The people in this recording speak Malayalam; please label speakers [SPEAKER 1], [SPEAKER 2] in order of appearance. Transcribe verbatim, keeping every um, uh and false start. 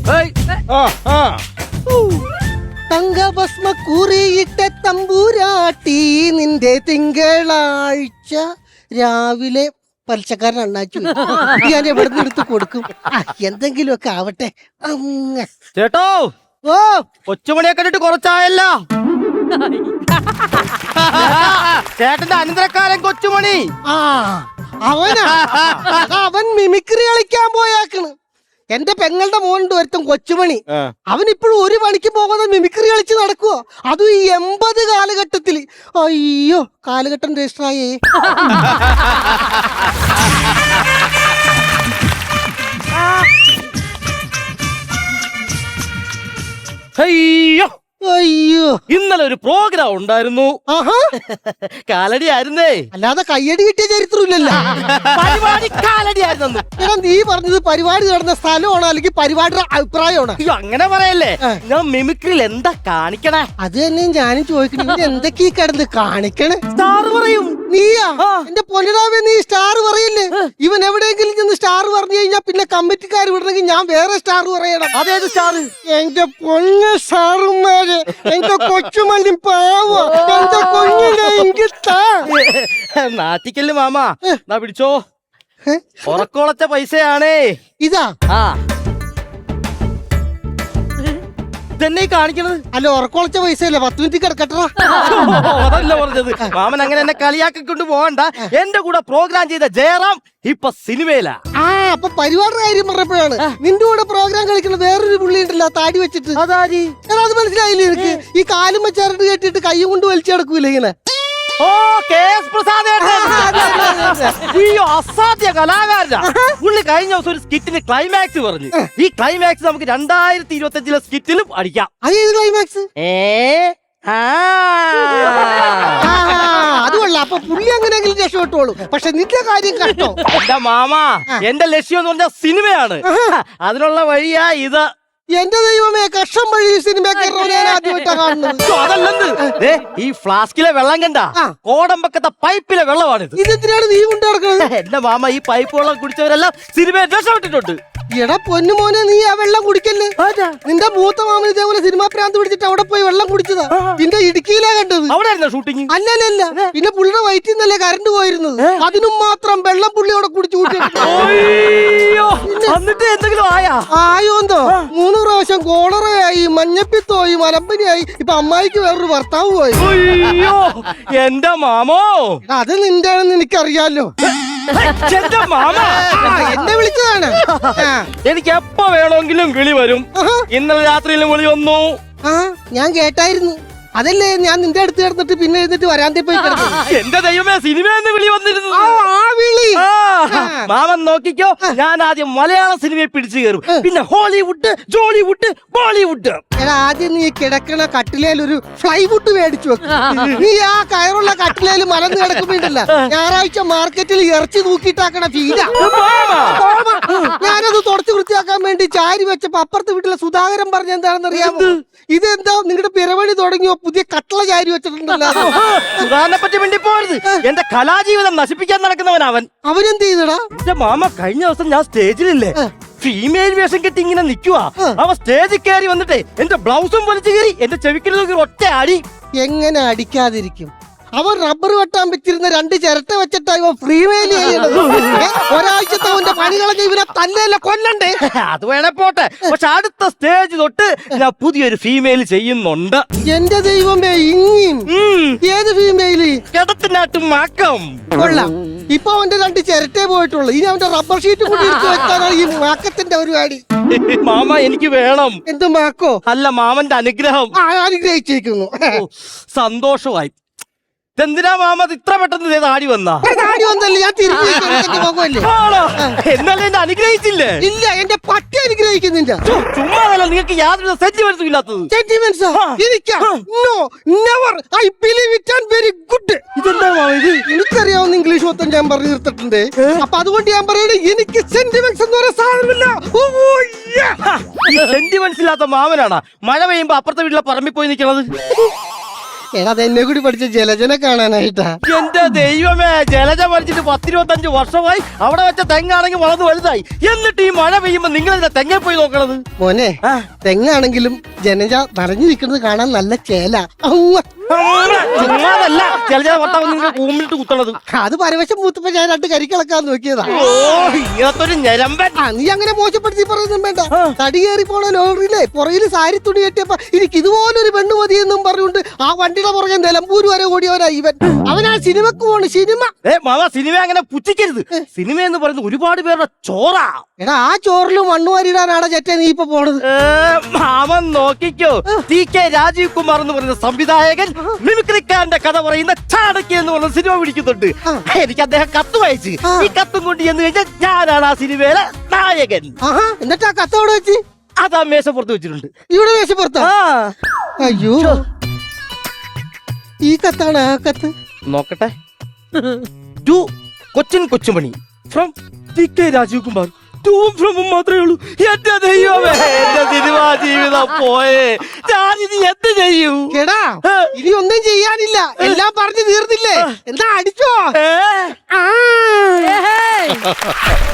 [SPEAKER 1] തങ്കഭസ്മ കുറിയിട്ട തമ്പൂരാട്ടി നിന്റെ തിങ്കളാഴ്ച രാവിലെ പലിശക്കാരൻ അണ്ണാച്ചു ഞാൻ എവിടെ നിന്ന് എടുത്ത് കൊടുക്കും. എന്തെങ്കിലും ഒക്കെ ആവട്ടെ.
[SPEAKER 2] ചേട്ടോ
[SPEAKER 1] ഓ
[SPEAKER 2] കൊച്ചുമണിയെ കണ്ടിട്ട് കുറച്ചായല്ലോ. ചേട്ടന്റെ അനന്തരക്കാരൻ കൊച്ചുമണി.
[SPEAKER 1] ആ അവനാ അവൻ മിമിക്രി കളിക്കാൻ പോയാക്കണ്. എന്റെ പെങ്ങളുടെ മോനുണ്ട് ഒരുത്തൻ കൊച്ചുമണി. അവൻ ഇപ്പോഴും ഒരു പണിക്ക് പോകാതെ മിമിക്രി കളിച്ച് നടക്കുവോ, അതും ഈ എൺപത് കാലഘട്ടത്തില്. അയ്യോ കാലഘട്ടം രജിസ്റ്ററായേ.
[SPEAKER 2] അയ്യോ
[SPEAKER 1] അയ്യോ
[SPEAKER 2] ഇന്നലെ ഒരു പ്രോഗ്രാം ഉണ്ടായിരുന്നു. കാലടി ആയിരുന്നേ,
[SPEAKER 1] അല്ലാതെ കയ്യടി കിട്ടിയ ചരിത്രമില്ലല്ലോ.
[SPEAKER 2] പരിപാടി കാലടി ആയിരുന്നു.
[SPEAKER 1] എടാ നീ പറഞ്ഞത് പരിപാടി നടന്ന സ്ഥലമാണോ അല്ലെങ്കിൽ പരിപാടിയുടെ അഭിപ്രായമാണോ?
[SPEAKER 2] അയ്യോ അങ്ങനെ പറയല്ലേ, ഞാൻ മിമിക്രിയിൽ എന്താ കാണിക്കണേ?
[SPEAKER 1] അത് തന്നെ ഞാനും ചോദിക്കണേ, എന്തൊക്കെ കിടന്ന് കാണിക്കണേ?
[SPEAKER 2] സ്റ്റാർ പറയും.
[SPEAKER 1] നീയാ എന്റെ പൊന്നിടാവേ, നീ സ്റ്റാർ പറയില്ലേ? ഇവൻ എവിടെയെങ്കിലും ചെന്ന് സ്റ്റാർ പറഞ്ഞു കഴിഞ്ഞാൽ പിന്നെ കമ്മിറ്റിക്കാർ വിടണമെങ്കിൽ ഞാൻ വേറെ സ്റ്റാർ പറയണം.
[SPEAKER 2] അതേത് സ്റ്റാർ?
[SPEAKER 1] എന്റെ പൊന്ന സ്റ്റാറുമാര്, എന്റെ കൊച്ചുമണി പാവ, എന്റെ കുഞ്ഞിനെ എനിക്ക് താ.
[SPEAKER 2] നാട്ടിക്കല് മാമാ, നാ പിടിച്ചോ. ഉറക്കോളച്ച പൈസയാണേ
[SPEAKER 1] ഇതാ.
[SPEAKER 2] ആ ഇതെന്നെ കാണിക്കണത്.
[SPEAKER 1] അല്ല ഉറക്കോളച്ച പൈസയല്ലേ, പത്ത് മിനിറ്റ് കിടക്കട്ടാ.
[SPEAKER 2] അതല്ല പറഞ്ഞത്. മാമൻ അങ്ങനെ എന്നെ കളിയാക്കിക്കൊണ്ട് പോകണ്ട. എന്റെ കൂടെ പ്രോഗ്രാം ചെയ്ത ജയറാം ഇപ്പൊ സിനിമയിലാ.
[SPEAKER 1] ആ അപ്പൊ പരിപാടിയുടെ കാര്യം പറഞ്ഞപ്പോഴാണ് നിന്റെ കൂടെ പ്രോഗ്രാം കളിക്കുന്ന വേറൊരു പുള്ളി ഉണ്ടല്ലോ താടി വെച്ചിട്ട്.
[SPEAKER 2] അതാരി?
[SPEAKER 1] അത് മനസ്സിലായില്ലേ എനിക്ക്? ഈ കാലും വെച്ചാറിട്ട് കേട്ടിട്ട് കൈയും കൊണ്ട് വലിച്ചെടുക്കൂല ഇങ്ങനെ.
[SPEAKER 2] ഓ കെ എസ് പ്രസാദ്. അയ്യോ അസാധ്യ കലാകാരനാ പുള്ളി. കഴിഞ്ഞ ദിവസം ഒരു സ്കിറ്റിന് ക്ലൈമാക്സ് പറഞ്ഞു. ഈ ക്ലൈമാക്സ് നമുക്ക് രണ്ടായിരത്തി ഇരുപത്തി അഞ്ചിലെ സ്കിറ്റിലും അടിക്കാം.
[SPEAKER 1] അതേത് ക്ലൈമാക്സ്?
[SPEAKER 2] ഏ
[SPEAKER 1] അത് കൊള്ളാം. അപ്പൊ പുള്ളി അങ്ങനെയെങ്കിലും രക്ഷപ്പെട്ടോളൂ. പക്ഷെ നിന്റെ കാര്യം കഷ്ടോ.
[SPEAKER 2] എന്റെ മാമാ, എന്റെ ലക്ഷ്യം എന്ന് പറഞ്ഞ സിനിമയാണ്. അതിനുള്ള വഴിയാ ഇത്.
[SPEAKER 1] എന്റെ ദൈവമേ, കഷ്ടം വഴി സിനിമ ആദ്യമായിട്ടാ കാണുന്നത്.
[SPEAKER 2] അതല്ലെന്ന്, ഈ ഫ്ലാസ്കിലെ വെള്ളം കണ്ട കോടമ്പക്കത്തെ പൈപ്പിലെ വെള്ളമാണിത്.
[SPEAKER 1] ഇതെന്തിനാണ് നീ കൊണ്ടു നടക്കുന്നത്?
[SPEAKER 2] എന്റെ മാമ, ഈ പൈപ്പ് വെള്ളം കുടിച്ചവരെല്ലാം സിനിമയെ രക്ഷപ്പെട്ടിട്ടുണ്ട്.
[SPEAKER 1] എടാ പൊന്നു മോനെ, നീ ആ വെള്ളം കുടിക്കല്ലേ. നിന്റെ മൂത്ത മാമൻ ഇതേപോലെ സിനിമാ പ്രാന്ത് പിടിച്ചിട്ട് അവിടെ പോയി വെള്ളം കുടിച്ചതാ. നിന്റെ ഇടുക്കിയിലാ കണ്ടത്.
[SPEAKER 2] അവിടെ ഷൂട്ടിങ്?
[SPEAKER 1] അല്ലല്ല, പിന്നെ പുള്ളിയുടെ വയറ്റിൽ നിന്നല്ലേ കറണ്ട് പോയിരുന്നത്. അതിനും മാത്രം വെള്ളം പുള്ളി അവിടെ കുടിച്ചു കൂട്ടി.
[SPEAKER 2] എന്നിട്ട് എന്തെങ്കിലും ആയാ?
[SPEAKER 1] ആയോന്തോ മൂന്ന് പ്രാവശ്യം കോളറയായി, മഞ്ഞപ്പിത്തോയി, മലമ്പനിയായി. ഇപ്പൊ അമ്മായിക്ക് വേറൊരു ഭർത്താവ് പോയി.
[SPEAKER 2] അയ്യോ എന്റെ മാമോ,
[SPEAKER 1] അത് നിന്റെ ആണെന്ന് എനിക്കറിയാലോ. എന്നെ വിളിച്ചതാണ്.
[SPEAKER 2] എനിക്ക് എപ്പോ വേണമെങ്കിലും വിളി വരും. ഇന്നലെ രാത്രിയിലും വിളി വന്നു.
[SPEAKER 1] ആ ഞാൻ കേട്ടായിരുന്നു. അതല്ലേ ഞാൻ നിന്റെ അടുത്ത് കിടന്നിട്ട് പിന്നെ എഴുന്നിട്ട് വരാന്തേ പോയി കിടന്നു.
[SPEAKER 2] എന്റെ ദൈവമേ, സിനിമയെന്ന് വിളി വന്നിരുന്നു. മാമൻ നോക്കിക്കോ, ഞാൻ ആദ്യം മലയാള സിനിമയെ പിടിച്ചു കയറും, പിന്നെ ഹോളിവുഡ്, ജോളിവുഡ്, ബോളിവുഡ്.
[SPEAKER 1] എടാ ആദ്യം നീ കിടക്കണ കട്ടിലേൽ ഒരു ഫ്ലൈവുഡ് മേടിച്ചു വെക്കും. നീ ആ കയറുള്ള കട്ടിലേൽ മലന്ന് കിടക്കുമ്പോണ്ടല്ല ഞായറാഴ്ച മാർക്കറ്റിൽ ഇറച്ചി തൂക്കിയിട്ടാക്കണ ഫീലാ. ഞാനത് തുടച്ചു വൃത്തിയാക്കാൻ വേണ്ടി ചാരി വെച്ചപ്പോ അപ്പുറത്തെ വീട്ടിലെ സുധാകരൻ പറഞ്ഞ എന്താണെന്ന് അറിയാമോ? ഇതെന്താ നിങ്ങളുടെ പിറവണി തുടങ്ങിയോ പുതിയ കട്ടള ചാരി വെച്ചിട്ടുണ്ടല്ലോ.
[SPEAKER 2] സുധാകരനെ പറ്റി വേണ്ടി പോരുത്. എന്റെ കലാജീവിതം നശിപ്പിക്കാൻ നടക്കുന്നവൻ അവൻ.
[SPEAKER 1] അവനെന്ത് ചെയ്തടാ?
[SPEAKER 2] എന്റെ മാമ, കഴിഞ്ഞ ദിവസം ഞാൻ സ്റ്റേജിലില്ലേ ഫീമെയിൽ വേഷം കെട്ടി ഇങ്ങനെ നിക്കുവാ. അവ സ്റ്റേജിൽ കയറി വന്നിട്ടേ എന്റെ ബ്ലൗസും വലിച്ചു കയറി എന്റെ ചെവിക്കൽ ഒറ്റ അടി.
[SPEAKER 1] എങ്ങനെ അടിക്കാതിരിക്കും? അവൻ റബ്ബർ വെട്ടാൻ പറ്റിരുന്ന രണ്ട് ചിരട്ട വെച്ചിട്ടാ ഇവ ഫ്രീമെയിൽ ചെയ്യണത്. ഒരാഴ്ചത്തെ അവന്റെ പണി കളഞ്ഞ ഇവനെ തന്നെയല്ല കൊല്ലണ്ടേ.
[SPEAKER 2] അത് വേണേ പോട്ടെ, പക്ഷെ അടുത്ത സ്റ്റേജ് തൊട്ട് ഞാൻ പുതിയൊരു ഫീമെയിൽ ചെയ്യുന്നുണ്ട്.
[SPEAKER 1] എന്റെ ദൈവമേ, ഇനിയും ഏത് ഫീമെയില്?
[SPEAKER 2] കിടത്തിനാട്ടും മാക്കം.
[SPEAKER 1] കൊള്ളാം. ഇപ്പൊ അവന്റെ രണ്ട് ചിരട്ടേ പോയിട്ടുള്ളൂ. ഇനി അവന്റെ റബ്ബർ ഷീറ്റ് കൂടി എടുത്ത് വെക്കാനാണ് ഈ മാക്കത്തിന്റെ പരിപാടി.
[SPEAKER 2] മാമ, എനിക്ക് വേണം.
[SPEAKER 1] എന്ത് മാക്കോ?
[SPEAKER 2] അല്ല, മാമന്റെ അനുഗ്രഹം.
[SPEAKER 1] അനുഗ്രഹിച്ചിരിക്കുന്നു.
[SPEAKER 2] സന്തോഷമായി. എന്തിനാ മാമ ഇത്ര പെട്ടെന്ന് താടി വന്നാ?
[SPEAKER 1] താടി വന്നല്ലേ, ഞാൻ തിരിഞ്ഞു.
[SPEAKER 2] എന്നാലും എന്നെ അനുഗ്രഹിച്ചില്ലേ?
[SPEAKER 1] ഇല്ല, എന്റെ പട്ടി അനുഗ്രഹിക്കുന്നില്ല.
[SPEAKER 2] ചുമ്മാതല്ല, നിങ്ങൾക്ക് യാതൊരു സെന്റിമെന്റ്സും ഇല്ലാത്തത്.
[SPEAKER 1] സെന്റിമെന്റ്സ് ഇതെന്താ ഇത്? എനിക്കറിയാവുന്ന ഇംഗ്ലീഷ് മൊത്തം ഞാൻ പറഞ്ഞു തീർത്തിട്ടുണ്ട്. അപ്പൊ അതുകൊണ്ട് ഞാൻ പറയണേ, എനിക്ക് സെന്റിമെന്റ്സ് എന്ന് പറയുന്ന സാധനമില്ല.
[SPEAKER 2] സെന്റിമെന്റ്സ് ഇല്ലാത്ത മാമനാണ് മഴ പെയ്യുമ്പോ അപ്പുറത്തെ വീട്ടിലെ പറമ്പിൽ പോയി നിൽക്കുന്നത്.
[SPEAKER 1] എടാ അതെന്നെ കൂടി പഠിച്ച ജലജനെ കാണാനായിട്ടാ.
[SPEAKER 2] എന്റെ ദൈവമേ, ജലജ മരിച്ചിട്ട് പത്തിരുപത്തഞ്ച് വർഷമായി. അവിടെ വെച്ച തെങ്ങാണെങ്കിൽ വളർന്ന് വലുതായി. എന്നിട്ട് ഈ മഴ പെയ്യുമ്പോ നിങ്ങൾ ഇതിന്റെ തെങ്ങ പോയി നോക്കണത്?
[SPEAKER 1] മോനെ, തെങ്ങാണെങ്കിലും ജനജ നിറഞ്ഞു നിൽക്കുന്നത് കാണാൻ നല്ല ചേല.
[SPEAKER 2] ചുമ്മാതല്ല ജലജ ഭർത്താവ് നിങ്ങൾ കൂമ്പിട്ട് കുത്തണത്.
[SPEAKER 1] അത് പരവശം മൂത്തപ്പോ ഞാൻ രണ്ട് കരിക്കിളക്കാൻ നോക്കിയതാ.
[SPEAKER 2] ഓ, ഇങ്ങനത്തൊരു ഞരമ്പൻ.
[SPEAKER 1] ആ, നീ അങ്ങനെ മോശപ്പെടുത്തി പറയുന്നും വേണ്ട. തടി കയറി പോണ ലോറിയിലെ പുറകില് സാരി തുണി കെട്ടിയപ്പോ എനിക്ക് ഇതുപോലൊരു പെണ്ണ് മതിയെന്നും പറഞ്ഞുകൊണ്ട് ആ വണ്ടിയുടെ പുറകെ നിലമ്പൂര് വരെ കൂടിയവനാ ഇവൻ. അവനാ സിനിമക്ക് പോണ്. സിനിമ
[SPEAKER 2] ഏ മാമ, സിനിമ അങ്ങനെ പുച്ഛിക്കരുത്. സിനിമ എന്ന് പറയുന്നത് ഒരുപാട് പേരുടെ ചോറാ.
[SPEAKER 1] എടാ ആ ചോറില് മണ്ണ് വാരിടാനാണ് ചേട്ടൻ നീ ഇപ്പൊ പോണത്.
[SPEAKER 2] ഏ, മാമൻ നോക്കിക്കോ. ടി കെ രാജീവ് കുമാർ എന്ന് പറയുന്ന സംവിധായകൻ മിമിക്രിക്കാരന്റെ കഥ പറയുന്ന ചാണക്യ എന്ന് പറയുന്ന സിനിമ പിടിക്കുന്നുണ്ട്. എനിക്ക് അദ്ദേഹം കത്ത് വായിച്ച് ഈ കത്തും കൊണ്ട് ചെന്ന് കഴിഞ്ഞാൽ ഞാനാണ് ആ സിനിമയിലെ നായകൻ.
[SPEAKER 1] ആഹാ, എന്നിട്ട് ആ കത്ത് അവിടെ വെച്ച്
[SPEAKER 2] അതാ മേശപ്പുറത്ത് വെച്ചിട്ടുണ്ട്.
[SPEAKER 1] ഇവിടെ മേശപ്പുറത്താ?
[SPEAKER 2] ആ,
[SPEAKER 1] അയ്യോ, ഈ കത്താണ് ആ കത്ത്.
[SPEAKER 2] നോക്കട്ടെ. To Cochin Kochumani from T K Rajeev Kumar. From മാത്രമേ ഉള്ളൂ. എന്റെ ദൈവമേ, എന്റെ സിനിമാ ജീവിതം പോയേ. ഞാനിത് എന്ത് ചെയ്യൂ?
[SPEAKER 1] എടാ ഇനി ഒന്നും ചെയ്യാനില്ല, എല്ലാം പറഞ്ഞു തീർന്നില്ലേ? എന്താ അടിച്ചോ?
[SPEAKER 2] ഏ
[SPEAKER 1] ആ